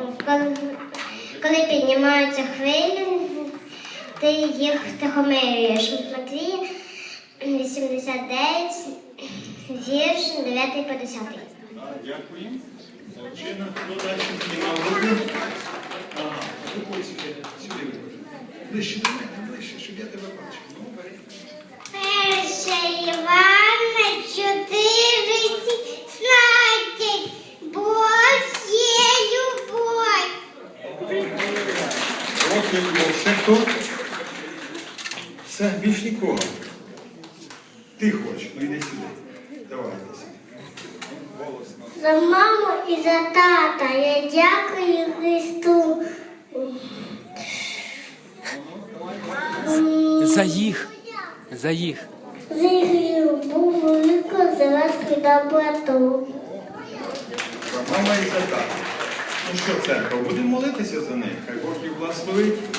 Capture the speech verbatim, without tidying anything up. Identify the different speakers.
Speaker 1: коли, коли піднімаються хвилі, ти їх втихомирюєш. Матвія вісімдесят дев'ять, вірш дев'ятий по десятий.
Speaker 2: Дякую. Молодчина. Хто далі піднімав руку? Ага, руку сюди, сюди. Ближче до мене, ближче, щоб я тебе бачив. Ну, бери.
Speaker 1: Перше Івана чотири сімнадцять. Бог є любов.
Speaker 2: Бог є любов. Ще хто? Все, більш нікого. Ти хочеш, ну йди сюди. Давай, йди сюди. Голосно.
Speaker 1: За маму і за тата я дякую Христу.
Speaker 3: За їх. За їх.
Speaker 1: За їх любов велику, за ласку і доброту.
Speaker 2: За мама і за тата. Ну що, церква, будемо молитися за них. Хай Бог їх благословить.